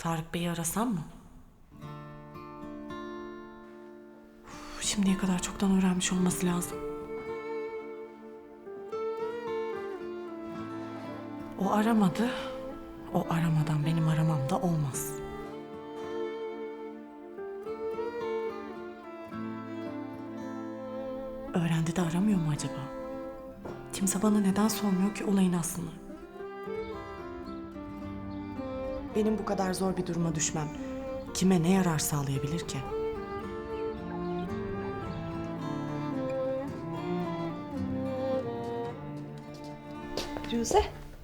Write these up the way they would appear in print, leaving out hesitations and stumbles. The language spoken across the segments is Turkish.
Tarık Bey'i arasam mı? Şimdiye kadar çoktan öğrenmiş olması lazım. O aramadı. O aramadan benim aramam da olmaz. Öğrendi de aramıyor mu acaba? Kimse bana neden sormuyor ki olayın aslını? Benim bu kadar zor bir duruma düşmem kime ne yarar sağlayabilir ki? Firuze.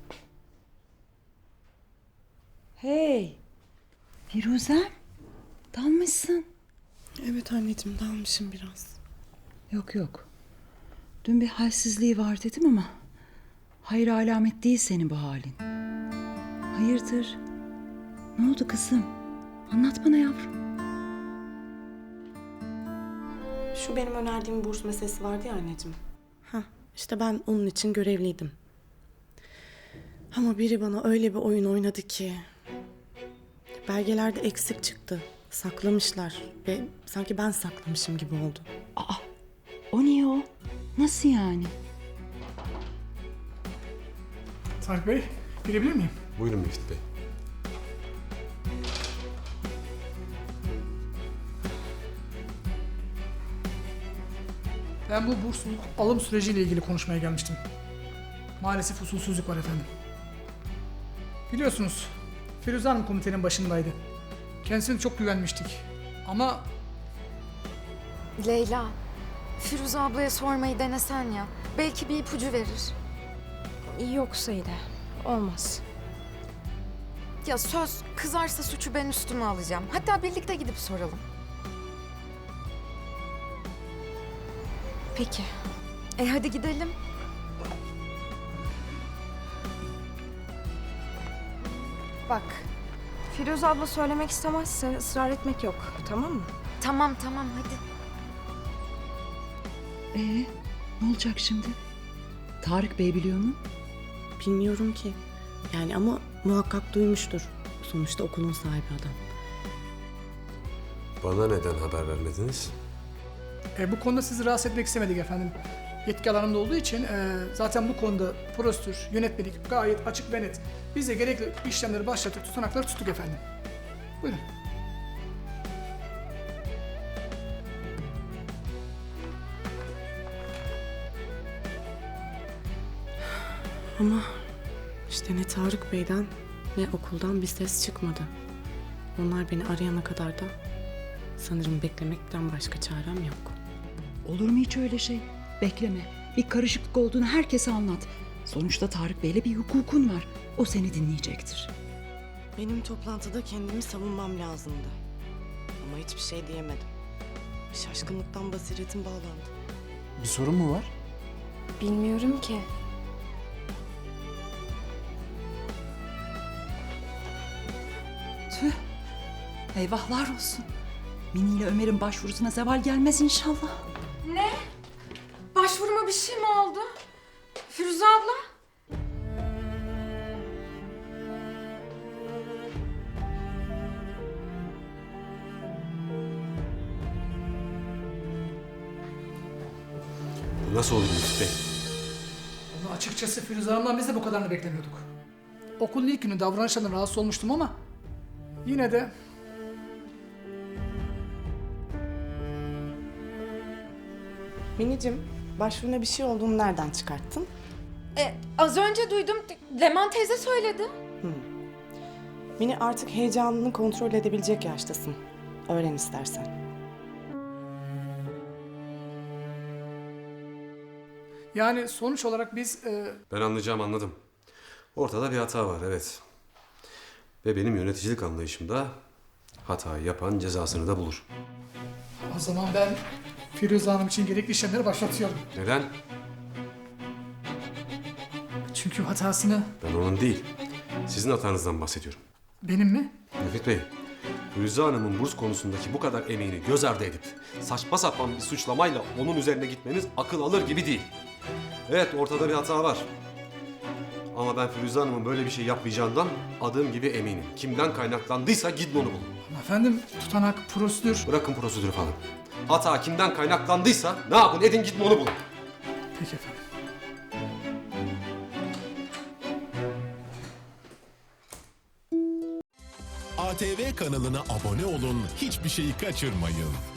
Hey. Firuze. Dalmışsın. Evet anneciğim, dalmışım biraz. Yok yok. Dün bir halsizliği var dedim ama hayır alamet değil senin bu halin. Hayırdır? Ne oldu kızım? Anlat bana yavrum. Şu benim önerdiğim burs meselesi vardı ya anneciğim. İşte ben onun için görevliydim. Ama biri bana öyle bir oyun oynadı ki... belgelerde eksik çıktı. Saklamışlar ve sanki ben saklamışım gibi oldu. Aa, o niye o? Nasıl yani? Tarık Bey, girebilir miyim? Buyurun Müftü Bey. Ben bu bursluluk alım süreciyle ilgili konuşmaya gelmiştim. Maalesef usulsüzlük var efendim. Biliyorsunuz, Firuze Hanım komitenin başındaydı. Kendisine çok güvenmiştik. Ama Leyla, Firuze ablaya sormayı denesen ya. Belki bir ipucu verir. Yok Saide, olmaz. Ya söz, kızarsa suçu ben üstüme alacağım. Hatta birlikte gidip soralım. Peki. Hadi gidelim. Bak, Firuze abla söylemek istemezse ısrar etmek yok, tamam mı? Tamam hadi. Ne olacak şimdi? Tarık Bey biliyor mu? Bilmiyorum ki. Yani ama muhakkak duymuştur. Sonuçta okulun sahibi adam. Bana neden haber vermediniz? bu konuda sizi rahatsız etmek istemedik efendim. Yetki alanımda olduğu için zaten bu konuda prosedür, yönetmelik gayet açık ve net. Biz de gerekli işlemleri başlattık, tutanakları tuttuk efendim. Buyurun. Ama işte ne Tarık Bey'den ne okuldan bir ses çıkmadı. Onlar beni arayana kadar da sanırım beklemekten başka çarem yok. Olur mu hiç öyle şey? Bekleme. Bir karışıklık olduğunu herkese anlat. Sonuçta Tarık Bey'le bir hukukun var. O seni dinleyecektir. Benim toplantıda kendimi savunmam lazımdı. Ama hiçbir şey diyemedim. Şaşkınlıktan basiretim bağlandı. Bir sorun mu var? Bilmiyorum ki. Tüh. Eyvahlar olsun. Mini ile Ömer'in başvurusuna zeval gelmez inşallah. Başvuruma bir şey mi oldu? Firuze abla? Bu nasıl olur Müftü Bey? Vallahi açıkçası Firuze Hanım'dan biz de bu kadarını beklemiyorduk. Okulun ilk günü davranışlarından rahatsız olmuştum ama yine de Minicim, başvuruna bir şey olduğunu nereden çıkarttın? Az önce duydum. Leman teyze söyledi. Mini, artık heyecanını kontrol edebilecek yaştasın. Öğren istersen. yani sonuç olarak biz... Ben anladım. Ortada bir hata var, evet. Ve benim yöneticilik anlayışımda hatayı yapan cezasını da bulur. O zaman ben Firuze Hanım için gerekli işlemleri başlatıyorum. Neden? Çünkü hatasını Ben onun değil, sizin hatanızdan bahsediyorum. benim mi? Müfit Bey, Firuze Hanım'ın burs konusundaki bu kadar emeğini göz ardı edip saçma sapan bir suçlamayla onun üzerine gitmeniz akıl alır gibi değil. Evet, ortada bir hata var. Ama ben Firuze Hanım'ın böyle bir şey yapmayacağından adım gibi eminim. Kimden kaynaklandıysa gidin onu bulun. Ama efendim tutanak, prosedür... Bırakın prosedürü falan. Hata kimden kaynaklandıysa ne yapın edin gidin onu bulun. Peki efendim. ATV kanalına abone olun, hiçbir şeyi kaçırmayın.